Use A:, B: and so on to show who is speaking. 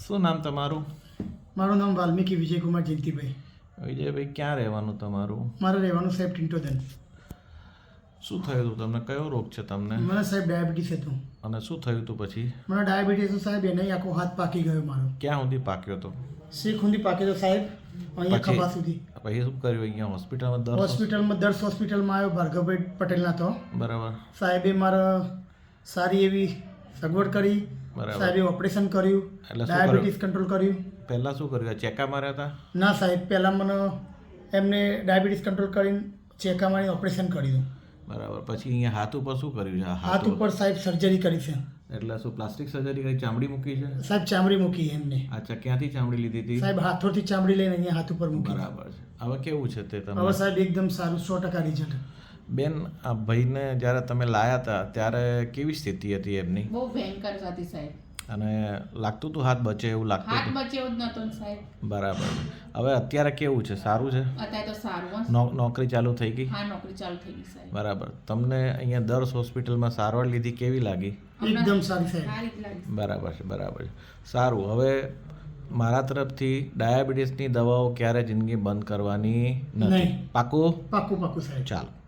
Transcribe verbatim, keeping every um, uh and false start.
A: શું નામ તમારું?
B: મારું નામ વાલ્મીકી વિજયકુમાર જયંતિભાઈ.
A: વિજયભાઈ, ક્યાં રહેવાનું તમારું?
B: મારે રહેવાનું સાહેબ ટિન્ટોદન.
A: શું થયું હતું તમને? કયો રોગ છે તમને?
B: મને સાહેબ ડાયાબિટીસ હતું.
A: અને શું થયું હતું પછી?
B: મને ડાયાબિટીસ હતું સાહેબ, એને આખો હાથ પાકી ગયો મારો.
A: ક્યાં સુધી પાક્યો હતો?
B: શીખ સુધી પાક્યો હતો સાહેબ, અહીંયા
A: પછી?
B: ખભા સુધી.
A: પછી શું કર્યું અહીંયા હોસ્પિટલમાં? દર
B: હોસ્પિટલમાં દર્શ હોસ્પિટલમાં આવ્યો, ભાર્ગવભાઈ પટેલના તો
A: બરાબર
B: સાહેબે મારા સારી એવી સગવડ કરી.
A: બરાબર.
B: સાહેબે ઓપરેશન કર્યું,
A: એટલે શું
B: ડાયાબિટીસ કંટ્રોલ કર્યું.
A: પહેલાં શું કર્યું? ચેકા માર્યા હતા?
B: ના સાહેબ, પહેલાં મને એમને ડાયાબિટીસ કંટ્રોલ કરીને ચેકા મારી ઓપરેશન કર્યું.
A: બરાબર. પછી અહીંયા હાથ ઉપર શું કર્યું છે?
B: હાથ ઉપર સાહેબ સર્જરી કરી છે.
A: એટલે શું પ્લાસ્ટિક સર્જરી કરી? ચામડી મૂકી છે?
B: સાહેબ ચામડી મૂકી એમને.
A: અચ્છા, ક્યાંથી ચામડી લીધી હતી?
B: સાહેબ હાથોથી ચામડી લઈને અહીંયા હાથ ઉપર મૂકી.
A: બરાબર છે. હવે કેવું છે તે તમે?
B: હવે સાહેબ એકદમ સારું, સો ટકા રિઝલ્ટ.
A: બેન, આ ભાઈને જ્યારે તમે લાયા હતા ત્યારે કેવી સ્થિતિ હતી એમની?
C: બહુ ભયંકર હતી સાહેબ.
A: અને લાગતું હતું હાથ બચે એવું લાગતું
C: હાથ
A: હતું?
C: બચે એવું જ નહોતું ને સાહેબ.
A: બરાબર. હવે અત્યારે કેવું છે? સારું છે?
C: અત્યારે તો સારું હશે.
A: નો નોકરી ચાલુ થઈ ગઈ?
C: હા, નોકરી ચાલુ થઈ ગઈ સાહેબ.
A: બરાબર. તમને અહીંયા દર્શ હોસ્પિટલમાં સારવાર લીધી, કેવી લાગી?
B: એકદમ સારી સાહેબ.
C: સારી જ લાગી.
A: બરાબર છે, બરાબર છે. સારું. હવે મારા તરફથી ડાયાબિટીસની દવાઓ ક્યારે જિંદગી બંધ કરવાની નથી.
B: નહીં.
A: પાકું?
B: પાક્કું પાક્કું સાહેબ.
A: ચાલો.